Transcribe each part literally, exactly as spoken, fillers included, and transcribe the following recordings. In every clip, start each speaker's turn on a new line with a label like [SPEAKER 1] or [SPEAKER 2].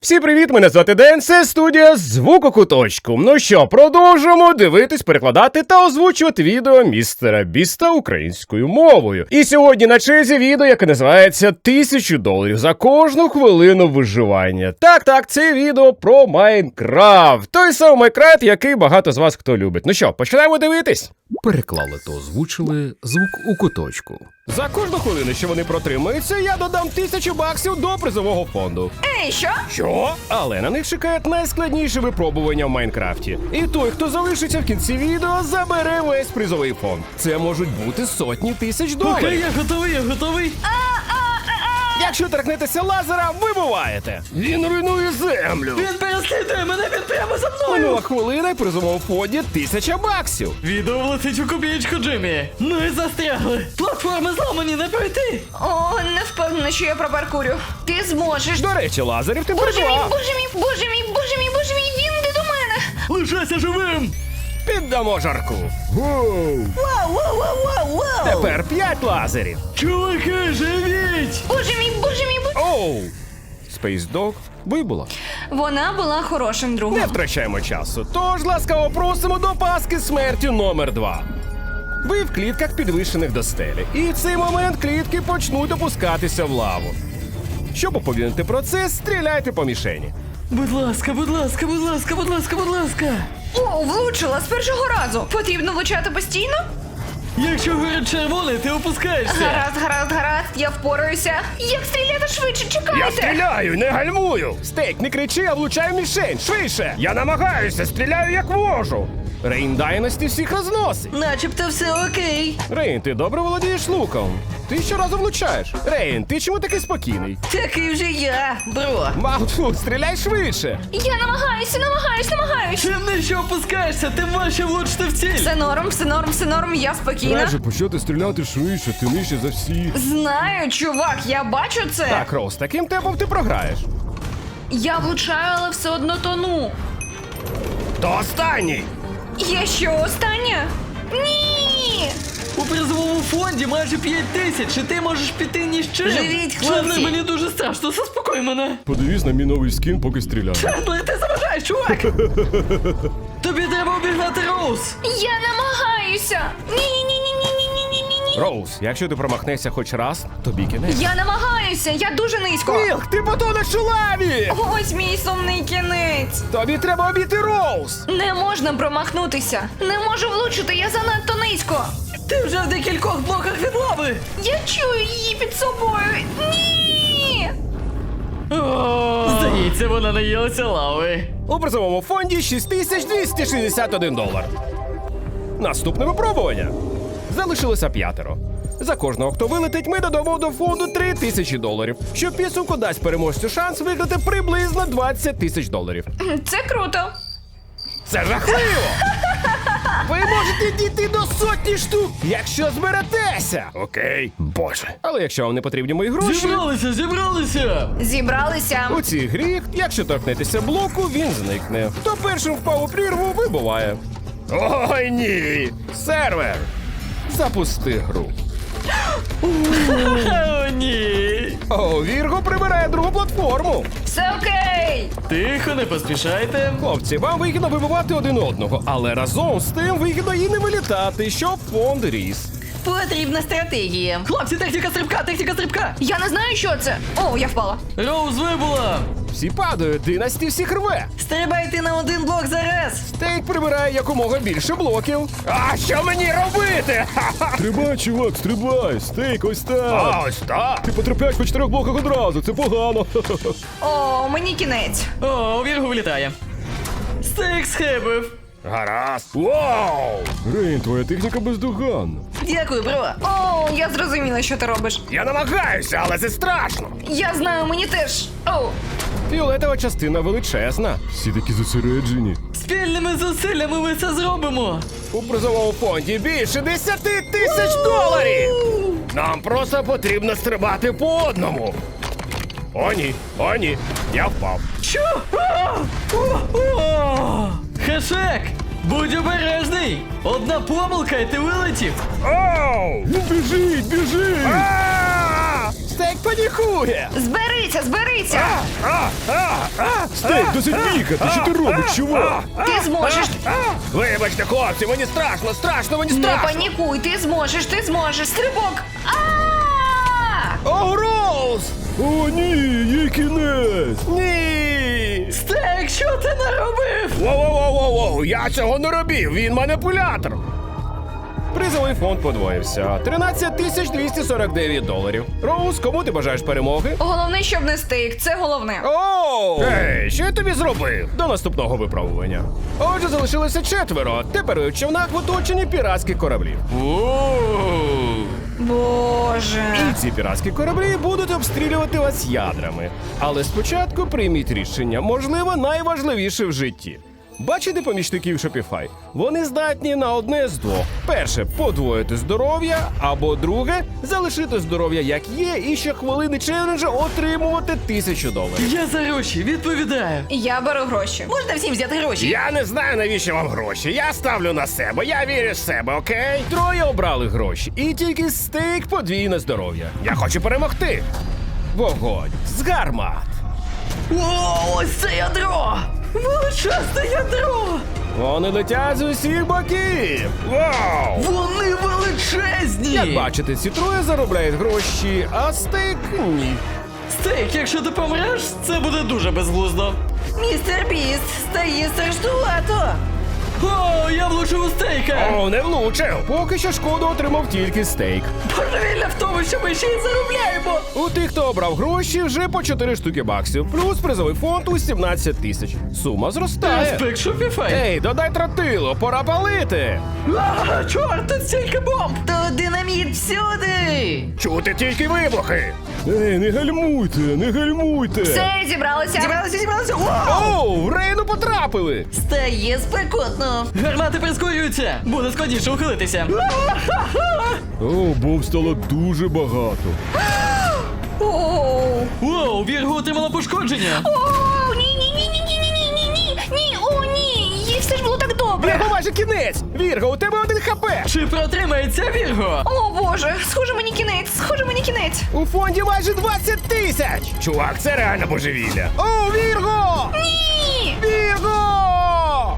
[SPEAKER 1] Всім привіт, мене звати Ден, це студія Звукокуточку. Ну що, продовжуємо дивитись, перекладати та озвучувати відео містера Біста українською мовою. І сьогодні на черзі відео, яке називається тисячу доларів за кожну хвилину виживання. Так, так, це відео про Майнкрафт. Той самий Майнкрафт, який багато з вас хто любить. Ну що, починаємо дивитись?
[SPEAKER 2] Переклали та озвучили звук у куточку.
[SPEAKER 1] За кожну хвилину, що вони протримаються, я додам тисячу баксів до призового фонду.
[SPEAKER 3] Ей, що?
[SPEAKER 1] Що? Але на них чекають найскладніші випробування в Майнкрафті. І той, хто залишиться в кінці відео, забере весь призовий фонд. Це можуть бути сотні тисяч доларів.
[SPEAKER 4] Окей, я готовий, я готовий.
[SPEAKER 1] Якщо торкнетеся лазера, вибуваєте. Він руйнує землю.
[SPEAKER 4] Він переслідує мене, він прямо за мною.
[SPEAKER 1] Минула хвилина і в призовому фонді тисяча баксів.
[SPEAKER 4] Відео влетить у копієчку, Джиммі. Ну і застрягли. Платформи зламані, не пройти.
[SPEAKER 3] О, не впевнена, що я пробаркурю. Ти зможеш.
[SPEAKER 1] До речі, лазерів ти
[SPEAKER 3] Боже мій,
[SPEAKER 1] придбав.
[SPEAKER 3] боже мій, боже мій, боже мій, боже мій, він йде до мене.
[SPEAKER 4] Лишайся живим.
[SPEAKER 1] Піддамо жарку.
[SPEAKER 3] Вау, вау, вау, вау, вау.
[SPEAKER 1] Тепер п'ять лазерів.
[SPEAKER 4] Чуваки, живіть.
[SPEAKER 3] Боже мій, боже мій, боже.
[SPEAKER 1] Оу! Space Dog вибула.
[SPEAKER 3] Вона була хорошим
[SPEAKER 1] Не
[SPEAKER 3] другом.
[SPEAKER 1] втрачаємо часу, тож ласкаво просимо до паски смерті номер два. Ви в клітках підвищених до стелі, і в цей момент клітки почнуть опускатися в лаву. Щоб уповільнити процес, стріляйте по мішені.
[SPEAKER 4] Будь ласка, будь ласка, будь ласка, будь ласка, будь ласка.
[SPEAKER 3] О, влучила з першого разу. Потрібно влучати постійно?
[SPEAKER 4] Якщо горить червоний, ти опускаєшся.
[SPEAKER 3] Гаразд, гаразд, гаразд, я впораюся. Як стріляти швидше, чекайте.
[SPEAKER 1] Я стріляю, не гальмую! Стейк, не кричи, а влучаю в мішень, швидше! Я намагаюся, стріляю як можу! Рейн Дайності всіх розносить.
[SPEAKER 4] Начебто все окей.
[SPEAKER 1] Рейн, ти добре володієш луком. Ти щоразу влучаєш. Рейн, ти чому такий спокійний?
[SPEAKER 4] Такий вже я, бро.
[SPEAKER 1] Маутфуд, стріляй швидше!
[SPEAKER 3] Я намагаюся, намагаюсь, намагаюсь.
[SPEAKER 4] Чим нижче опускаєшся, тим важче влучити в ціль.
[SPEAKER 3] Все норм, все норм, все норм, я спокійна.
[SPEAKER 1] почати стріляти швидше, ти нижче за всіх.
[SPEAKER 3] Знаю, чувак, я бачу це.
[SPEAKER 1] Так, Роуз, таким темпом ти програєш.
[SPEAKER 3] Я влучаю, але все одно тону.
[SPEAKER 1] То останній!
[SPEAKER 3] Я що, остання? Ні!
[SPEAKER 4] У призовому фонді майже п'ять тисяч, і ти можеш піти ні з чим.
[SPEAKER 3] Живіть, хлопці.
[SPEAKER 4] Чендлер, мені дуже страшно, заспокой мене.
[SPEAKER 1] Подивись на мій новий скін, поки стріляю.
[SPEAKER 4] Чендлер, ти заважаєш, чувак. Тобі треба обігнати Роуз.
[SPEAKER 3] Я намагаюся! Ні-ні-ні-ні-ні-ні-ні-ні-ні!
[SPEAKER 1] Роуз, якщо ти промахнешся хоч раз, тобі кінець.
[SPEAKER 3] Я намагаюся, я дуже низько!
[SPEAKER 1] Мілк, ти потонеш у лаві!
[SPEAKER 3] Ось мій сумний кінець!
[SPEAKER 1] Тобі треба обійти Роуз!
[SPEAKER 3] Не можна промахнутися! Не можу влучити, я занадто низько!
[SPEAKER 4] Ти вже в декількох блоках від лави.
[SPEAKER 3] Я чую її під собою! Ні!
[SPEAKER 4] Здається, вона наїлася лави.
[SPEAKER 1] У призовому фонді шість тисяч двісті шістдесят один долар. Наступне випробування. Залишилося п'ятеро. За кожного, хто вилетить, ми додамо до фонду три тисячі доларів, що в підсумку дасть переможцю шанс виграти приблизно двадцять тисяч доларів.
[SPEAKER 3] Це круто!
[SPEAKER 1] Це жахливо! Ви можете дійти до сотні штук, якщо зберетеся! Окей, боже. Але якщо вам не потрібні мої гроші,
[SPEAKER 4] Зібралися, зібралися.
[SPEAKER 3] Зібралися!
[SPEAKER 1] у цій грі, якщо торкнетеся блоку, він зникне. Хто першим впав у прірву, вибуває. Ой, ні! Сервер! Запусти гру.
[SPEAKER 4] О, ні.
[SPEAKER 1] О, Вірго прибирає другу платформу.
[SPEAKER 3] Все окей!
[SPEAKER 4] Тихо, не поспішайте.
[SPEAKER 1] Хлопці, вам вигідно вибивати один одного, але разом з тим вигідно і не вилітати, щоб фонд ріс.
[SPEAKER 4] Потрібна стратегія. Хлопці, техніка стрибка, техніка стрибка.
[SPEAKER 3] Я не знаю, що це! О, я впала!
[SPEAKER 4] Роуз вибула.
[SPEAKER 1] Всі падають, династі всіх рве.
[SPEAKER 4] Стрибайте на один блок зараз.
[SPEAKER 1] Стейк прибирає якомога більше блоків. А що мені робити? Ха-ха!
[SPEAKER 5] Стрибай, чувак, стрибай! Стейк, ось так!
[SPEAKER 1] А, ось так.
[SPEAKER 5] Ти потрапляєш по чотирьох блоках одразу, це погано!
[SPEAKER 3] О, мені кінець!
[SPEAKER 4] О, Віргу вилітає. Стейк схибив.
[SPEAKER 1] Гаразд. Вау!
[SPEAKER 5] Рейн, твоя техніка бездоганна.
[SPEAKER 4] Дякую, бро.
[SPEAKER 3] О, я зрозуміла, що ти робиш.
[SPEAKER 1] Я намагаюся, але це страшно.
[SPEAKER 3] Я знаю, мені теж. О,
[SPEAKER 1] Фіолетова частина величезна.
[SPEAKER 5] Всі такі зосереджені.
[SPEAKER 4] Спільними зусиллями ми це зробимо.
[SPEAKER 1] У призовому фонді більше десяти тисяч доларів. Нам просто потрібно стрибати по одному. О, ні, о, ні, я впав.
[SPEAKER 4] Що? А! О, о! Хешек, будь обережний. Одна помилка і ти вилетів.
[SPEAKER 1] Оу!
[SPEAKER 5] Він біжить, біжить!
[SPEAKER 1] А! Стейк панікує!
[SPEAKER 3] Зберися, зберися!
[SPEAKER 5] Стейк, досить бігати! Що ти робиш, чувак?
[SPEAKER 3] Ти зможеш!
[SPEAKER 1] Вибачте, хлопці, мені страшно, страшно, мені
[SPEAKER 3] Не
[SPEAKER 1] страшно!
[SPEAKER 3] панікуй, ти зможеш, ти зможеш! Стрибок! А!
[SPEAKER 1] О, Роуз!
[SPEAKER 5] О, ні, їй кінець!
[SPEAKER 1] Ні!
[SPEAKER 4] Стейк, що ти наробив?
[SPEAKER 1] Воу-воу-воу-воу, я цього не робив, він маніпулятор. Призовий фонд подвоївся. тринадцять тисяч двісті сорок дев'ять доларів. Роуз, кому ти бажаєш перемоги?
[SPEAKER 3] Головне, щоб не стейк, це головне.
[SPEAKER 1] Оу! Ей, що я тобі зробив? До наступного випробування. Отже, залишилося четверо. Тепер у човнах в оточенні піратських кораблів.
[SPEAKER 3] Боже.
[SPEAKER 1] І ці піратські кораблі будуть обстрілювати вас ядрами. Але спочатку прийміть рішення, можливо, найважливіше в житті. Бачите помічників Shopify? Вони здатні на одне з двох. Перше – подвоїти здоров'я, або друге – залишити здоров'я як є і щохвилини челенджа отримувати тисячу доларів.
[SPEAKER 4] Я за гроші, відповідаю.
[SPEAKER 3] Я беру гроші.
[SPEAKER 4] Можна всім взяти гроші?
[SPEAKER 1] Я не знаю, навіщо вам гроші. Я ставлю на себе, я вірю в себе, окей? Троє обрали гроші, і тільки стейк подвійне здоров'я. Я хочу перемогти. Вогонь з гармат.
[SPEAKER 4] О, ось це ядро! Величезне ядро!
[SPEAKER 1] Вони летять з усіх боків. Вау!
[SPEAKER 4] Вони величезні!
[SPEAKER 1] Як бачите, ці троє заробляють гроші, а стейк ні.
[SPEAKER 4] Стейк, якщо ти помреш, це буде дуже безглуздо.
[SPEAKER 3] Містер Біст стає страшнувато.
[SPEAKER 4] О, я влучив у стейка!
[SPEAKER 1] О, не влучив. Поки що шкоду отримав тільки стейк.
[SPEAKER 4] Божевілля в тому, що ми ще й заробляємо!
[SPEAKER 1] У тих, хто обрав гроші, вже по чотири штуки баксів, плюс призовий фонд у сімнадцять тисяч. Сума зростає.
[SPEAKER 4] Респект Shopify!
[SPEAKER 1] Ей, додай тротилу, пора палити.
[SPEAKER 4] А, чорт, тут стільки бомб!
[SPEAKER 3] То динаміт всюди.
[SPEAKER 1] Чути тільки вибухи.
[SPEAKER 5] Ей, не гальмуйте, не гальмуйте!
[SPEAKER 3] Все, зібралися.
[SPEAKER 4] Зібралися, зібралися! Вау!
[SPEAKER 1] Оу, в Рейну потрапили.
[SPEAKER 3] Стає спекотно.
[SPEAKER 4] Гармати прискорюються! Буде складніше ухилитися!
[SPEAKER 5] О, бомб стало дуже багато.
[SPEAKER 3] Оу.
[SPEAKER 4] Воу, Вірго отримала пошкодження!
[SPEAKER 3] Оу, ні, ні, ні, ні, ні, ні, ні, ні, ні, ні, о, ні, їй все ж було так добре.
[SPEAKER 1] Вірго, майже кінець. Вірго, у тебе один хп.
[SPEAKER 4] Чи протримається Вірго?
[SPEAKER 3] О, Боже, схоже мені кінець, схоже мені кінець.
[SPEAKER 1] У фонді майже двадцять тисяч. Чувак, це реально божевілля. О, Вірго!
[SPEAKER 3] Ні.
[SPEAKER 1] Вірго!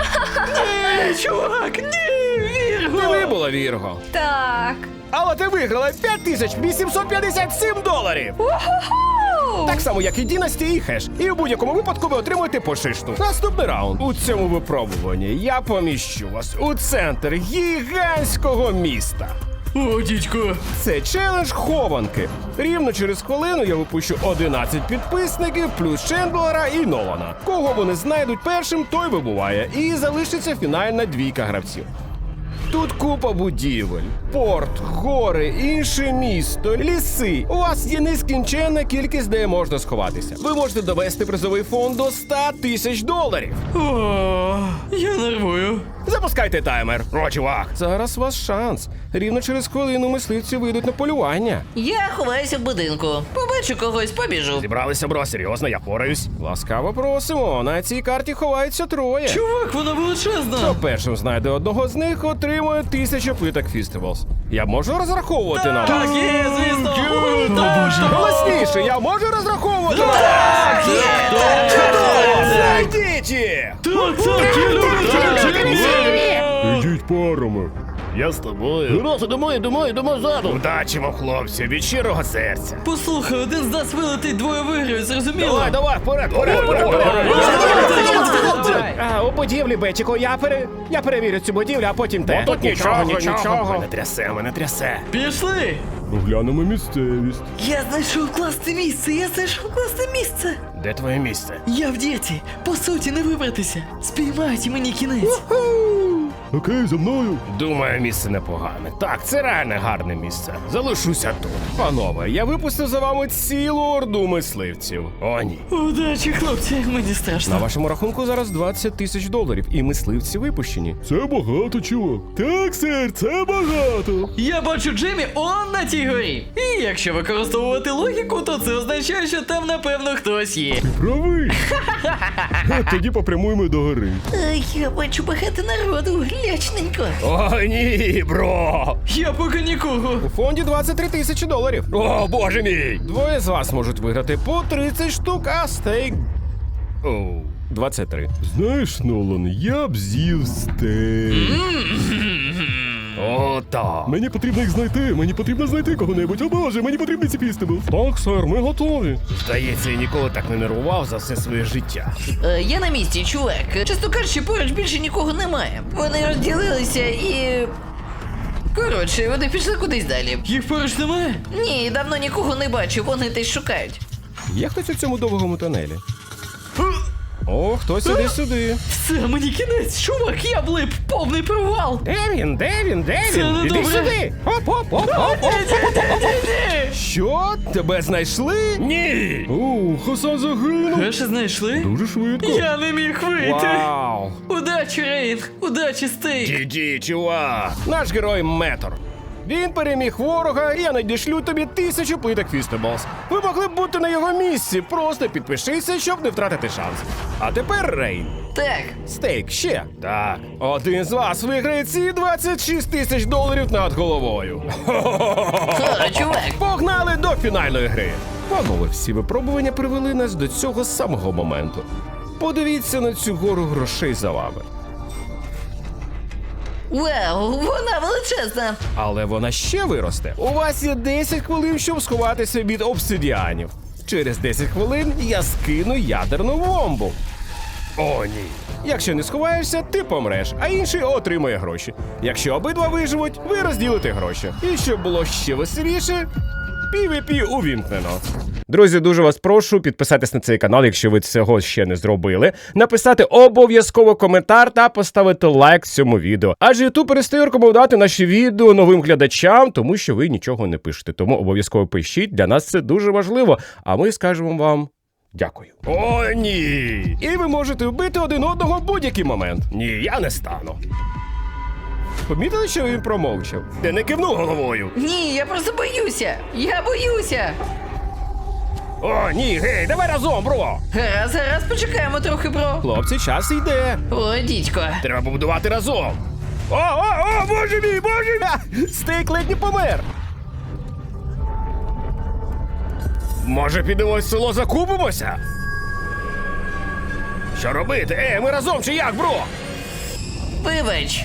[SPEAKER 4] Ні, чувак, ні, Вірго!
[SPEAKER 1] Ти вибула, Вірго.
[SPEAKER 3] Так.
[SPEAKER 1] Але ти виграла п'ять тисяч вісімсот п'ятдесят сім доларів.
[SPEAKER 3] Уху.
[SPEAKER 1] Так само, як і Дінасті і Хеш. І в будь-якому випадку ви отримуєте по шишту. Наступний раунд. У цьому випробуванні я поміщу вас у центр гігантського міста.
[SPEAKER 4] О, дідько!
[SPEAKER 1] Це челендж хованки. Рівно через хвилину я випущу одинадцять підписників, плюс Чендлера і Нолана. Кого вони знайдуть першим, той вибуває. І залишиться фінальна двійка гравців. Тут купа будівель, порт, гори, інше місто, ліси. У вас є нескінченна кількість, де можна сховатися. Ви можете довести призовий фонд до ста тисяч доларів.
[SPEAKER 4] О, я нервую.
[SPEAKER 1] Запускайте таймер. О, чувак, зараз у вас шанс. Рівно через хвилину мисливці вийдуть на полювання.
[SPEAKER 6] Я ховаюся в будинку. Побачу когось, побіжу.
[SPEAKER 1] Зібралися, бро, серйозно, я пораюсь. Ласкаво просимо, на цій карті ховаються троє.
[SPEAKER 4] Чувак, вона величезна!
[SPEAKER 1] Хто першим знайде одного з них, отримує тисячу плиток Фістивалс. Я можу розраховувати на вас?
[SPEAKER 4] Так, є, звісно! О, так!
[SPEAKER 1] Голосніше, я можу розраховувати на вас?
[SPEAKER 4] Так, є!
[SPEAKER 1] Чудово! Знайдіть їх!
[SPEAKER 4] Так, так, я люблю тебе!
[SPEAKER 5] Ідіть парами.
[SPEAKER 1] Я з тобою.
[SPEAKER 6] Раз, йдемо, йдемо, йдемо ззаду.
[SPEAKER 1] Удачі вам, хлопці, від щирого серця.
[SPEAKER 4] Послухай, один з нас вилетить, двоє виграють, зрозуміло?
[SPEAKER 1] Давай, давай, вперед, вперед, вперед, вперед. А, у будівлі, Бетіко, я пере... я перевірю цю будівлю, а потім те.
[SPEAKER 5] Тут нічого,
[SPEAKER 1] нічого. Мене трясе, мене трясе.
[SPEAKER 4] Пішли!
[SPEAKER 5] Оглянемо місцевість.
[SPEAKER 4] Я знайшов класне місце, я знайшов класне місце!
[SPEAKER 1] Де твоє місце?
[SPEAKER 4] Я в дірці, по суті, не вибратися. Спіймайте мені кінець.
[SPEAKER 5] Окей, за мною.
[SPEAKER 1] Думаю, місце непогане. Так, це реально гарне місце. Залишуся тут. Панове, я випустив за вами цілу орду мисливців. О, ні.
[SPEAKER 4] Удачі, хлопці, мені
[SPEAKER 1] На
[SPEAKER 4] страшно.
[SPEAKER 1] вашому рахунку зараз двадцять тисяч доларів, і мисливці випущені.
[SPEAKER 5] Це багато, чувак. Так, сер, це багато.
[SPEAKER 4] Я бачу Джиммі он на тій горі. І якщо використовувати логіку, то це означає, що там, напевно, хтось є.
[SPEAKER 5] Правий. Тоді попрямуємо до гори.
[SPEAKER 6] Ай, я бачу багато народу, лячненько.
[SPEAKER 1] О, ні, бро!
[SPEAKER 4] Я поки нікого.
[SPEAKER 1] У фонді двадцять три тисячі доларів. О, боже мій! Двоє з вас можуть виграти по тридцять штук, а стейк... Оу, двадцять три.
[SPEAKER 5] Знаєш, Нолан, я б з'їв стейк.
[SPEAKER 1] О, так.
[SPEAKER 5] Мені потрібно їх знайти, мені потрібно знайти кого-небудь. О боже, мені потрібні ці фістеблс. Так, сер, ми готові.
[SPEAKER 1] Здається, я ніколи так не нервував за все своє життя.
[SPEAKER 6] Е, я на місці, чувак. Чесно кажучи, поруч більше нікого немає. Вони розділилися і... Коротше, вони пішли кудись далі.
[SPEAKER 4] Їх поруч немає?
[SPEAKER 6] Ні, давно нікого не бачу, вони десь шукають.
[SPEAKER 1] Є хтось у цьому довгому тунелі? О, хтось іде сюди.
[SPEAKER 4] Все, мені кінець, чувак, я влип, повний провал.
[SPEAKER 1] Де він? Де він? Де
[SPEAKER 4] Це
[SPEAKER 1] він?
[SPEAKER 4] не
[SPEAKER 1] Іди
[SPEAKER 4] добре.
[SPEAKER 1] сюди! Оп, оп, оп, оп, оп. Що? Тебе знайшли? Ні!
[SPEAKER 5] О, Хасан загинув.
[SPEAKER 4] Гроші знайшли?
[SPEAKER 5] Дуже швидко.
[SPEAKER 4] Я не міг вийти.
[SPEAKER 1] Вау!
[SPEAKER 4] Удачі, Рейн, удачі, Стейк.
[SPEAKER 1] Ді-ді, чувак! Наш герой Метор. Він переміг ворога, і я надішлю тобі тисячу плиток Фістеблс. Ви могли б бути на його місці, просто підпишися, щоб не втратити шанс. А тепер Рейн.
[SPEAKER 6] Так,
[SPEAKER 1] Стейк ще. Так. Один з вас виграє ці двадцять шість тисяч доларів над головою.
[SPEAKER 6] о, чувак.
[SPEAKER 1] Погнали до фінальної гри. Панове, всі випробування привели нас до цього самого моменту. Подивіться на цю гору грошей за вами.
[SPEAKER 6] Вау, вона величезна.
[SPEAKER 1] Але вона ще виросте. У вас є десять хвилин, щоб сховатися від обсидіанів. Через десять хвилин я скину ядерну бомбу. О, ні. Якщо не сховаєшся, ти помреш, а інший отримує гроші. Якщо обидва виживуть, ви розділите гроші. І щоб було ще веселіше, пі ві пі увімкнено. Друзі, дуже вас прошу підписатись на цей канал, якщо ви цього ще не зробили, написати обов'язково коментар та поставити лайк цьому відео. Адже YouTube перестає рекомендувати наші відео новим глядачам, тому що ви нічого не пишете. Тому обов'язково пишіть, для нас це дуже важливо, а ми скажемо вам дякую. О, ні! І ви можете вбити один одного в будь-який момент. Ні, я не стану. Помітили, що він промовчав? Ти не кивнув головою.
[SPEAKER 6] Ні, я просто боюся. Я боюся.
[SPEAKER 1] О, ні, гей, давай разом, бро!
[SPEAKER 6] Гаразд, гаразд, почекаємо трохи, бро.
[SPEAKER 1] Хлопці, час йде.
[SPEAKER 6] О, дідько.
[SPEAKER 1] Треба побудувати разом. О, о, о, боже мій, боже мій! Стейк ледь не помер. Може, підемо в село закупимося? Що робити? Е, ми разом чи як, бро?
[SPEAKER 6] Вибач.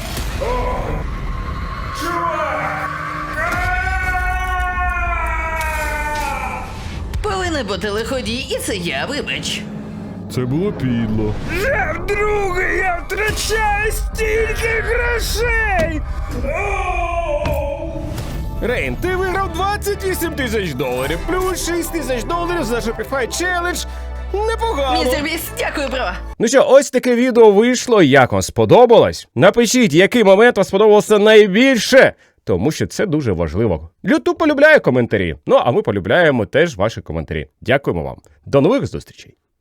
[SPEAKER 6] Повинен бути лиходій, і це я, вибач.
[SPEAKER 5] Це було підло.
[SPEAKER 1] Вже вдруге я втрачаю стільки грошей! Рейн, ти виграв двадцять вісім тисяч доларів, плюс шість тисяч доларів за Shopify Challenge. Непогано.
[SPEAKER 6] Містер Біс, дякую, бро.
[SPEAKER 1] Ну що, ось таке відео вийшло. Як вам сподобалось? Напишіть, який момент вам сподобався найбільше, тому що це дуже важливо. YouTube полюбляє коментарі, ну а ми полюбляємо теж ваші коментарі. Дякуємо вам. До нових зустрічей.